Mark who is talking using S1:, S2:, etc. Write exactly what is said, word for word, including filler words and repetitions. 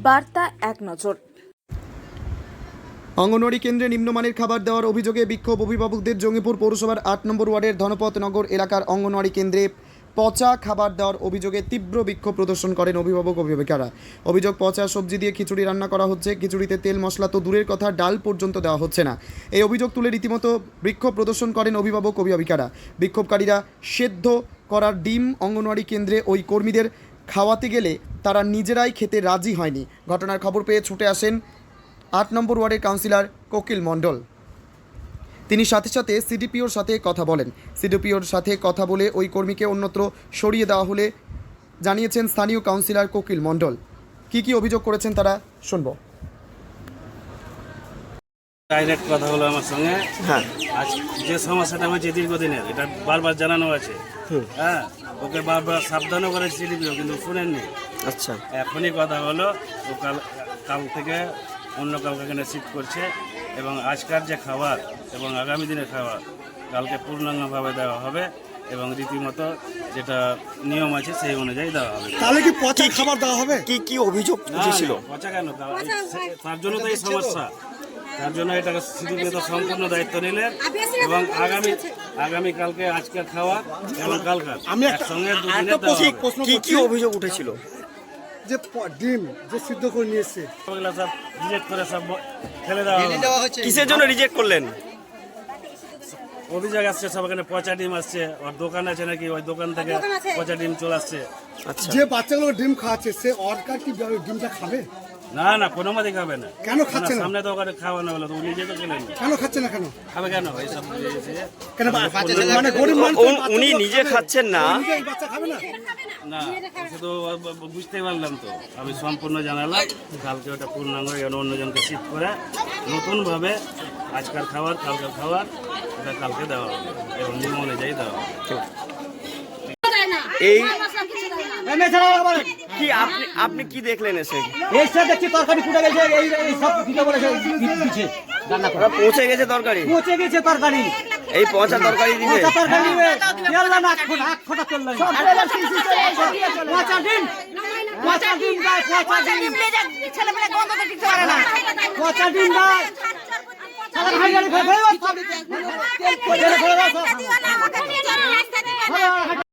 S1: বার্তা এক নজর।
S2: অঙ্গনওয়াড়ি কেন্দ্রে নিম্নমানের খাবার দেওয়ার অভিযোগে বিক্ষোভ অভিভাবকদের। জঙ্গিপুর পৌরসভার আট নম্বর ওয়ার্ডের ধনপত নগর এলাকার অঙ্গনওয়াড়ি কেন্দ্রে পচা খাবার দেওয়ার অভিযোগে তীব্র বিক্ষোভ প্রদর্শন করেন অভিভাবক অভিভাবিকারা। অভিযোগ, পচা সবজি দিয়ে খিচুড়ি রান্না করা হচ্ছে, খিচুড়িতে তেল মশলা তো দূরের কথা, ডাল পর্যন্ত দেওয়া হচ্ছে না। এই অভিযোগ তুলে রীতিমতো বিক্ষোভ প্রদর্শন করেন অভিভাবক অভিভাবিকারা। বিক্ষোভকারীরা সেদ্ধ করার ডিম অঙ্গনওয়াড়ি কেন্দ্রে ওই কর্মীদের খাওয়াতে গেলে তারা নিজেরাই খেতে রাজি হয়নি। ঘটনার খবর পেয়ে ছুটে আসেন আট নম্বর ওয়ার্ডের কাউন্সিলর কোকিল মণ্ডল। তিনি সাথে সাথে সিডিপিওর সাথে কথা বলেন। সিডিপিওর সাথে কথা বলে ওই কর্মীকে অন্যত্র সরিয়ে দেওয়া হলে জানিয়েছেন স্থানীয় কাউন্সিলর কোকিল মণ্ডল। কি কি অভিযোগ করেছেন তারা শুনব।
S3: ডাইরেক্ট কথা হলো আমার সঙ্গে।
S2: হ্যাঁ,
S3: আজ যে সমস্যাটা হয়েছে দীর্ঘদিনের, এটা বারবার জানানো আছে। হ্যাঁ, ওকে বারবার সাবধানও করেছে সিডিপিও, কিন্তু শুনেননি।
S2: আচ্ছা,
S3: এখনই কথা হলো ও কাল কাল থেকে অন্য কাউকে এখানে শিফট করছে, এবং আজকার যে খাবার এবং আগামী দিনের খাবার কালকে পূর্ণাঙ্গভাবে দেওয়া হবে, এবং রীতিমতো যেটা নিয়ম আছে সেই অনুযায়ী দেওয়া হবে।
S4: তাহলে কি পচা খাবার দেওয়া হবে?
S2: কি কি অভিযোগ
S3: ছিল পচা কেন? তার জন্য তো এই সমস্যা, তার জন্য এটা সিডিপিও তো সম্পূর্ণ দায়িত্ব নিলেন, এবং আগামী আগামী কালকে আজকের খাওয়া এবং কালকার
S4: আমি
S3: একসঙ্গে
S4: একটা প্রশ্ন
S2: কি কি অভিযোগ উঠেছিল?
S4: যে প- ডিম যে সিদ্ধ করে নিয়ে এসছে,
S3: ওগুলো সব রিজেক্ট করে সব ফেলে দেওয়া হবে।
S2: কিসের জন্য রিজেক্ট করলেন?
S3: অভিযোগ আসছে সব এখানে পচা ডিম আসছে, ওর দোকান আছে নাকি, ওই দোকান থেকে পচা ডিম চলে আসছে।
S2: আচ্ছা,
S4: যে বাচ্চাগুলো ডিম খাওয়াচ্ছে সে অর্কার কি ডিমটা খাবে?
S3: না না, কোনো মতে খাবে না।
S4: কেন খাচ্ছে না?
S3: সামনে তো ওখানে খাওয়ানো হলো, তো নিজে তো খেলেন না।
S4: কেন খাচ্ছে না? কেন
S3: খাবে কেন এইসব?
S4: কেন মানে গরিব মানুষ
S2: উনি নিজে খাচ্ছেন না?
S4: এই বাচ্চা খাবে না?
S3: না, শুধু বুঝতেই পারলাম তো, আমি সম্পূর্ণ জানালাম। কালকে ওটা পূর্ণাঙ্গ যেন অন্যজনকে শিফট করে নতুনভাবে আজকাল খাবার কালকার খাবার এটা কালকে দেওয়া হবে, এবং নিয়ম অনুযায়ী দেওয়া হবে।
S2: এই কি আপনি আপনি কি দেখলেন এসে?
S5: এসে দেখছি তরকারি ফুটে গেছে, এই এই সব দিতে বলেছে দিচ্ছে রান্না করে।
S2: পৌঁছে গেছে তরকারি,
S5: পচে গেছে তরকারি,
S2: এই পচা তরকারি দিবে।
S5: পচা তরকারি দিবে, তেল না নাক ফোটা হাত ফোটা তেল না। পচা ডিম, পচা ডিম দেয়, পচা ডিম,
S6: ছেলেমেয়ে গন্ধ তো টিকতে পারে না।
S5: পচা ডিম দেয়। সারা ভাই গাড়ি ফেলে ফেলে সব তেল ফেলে ফেলে সব।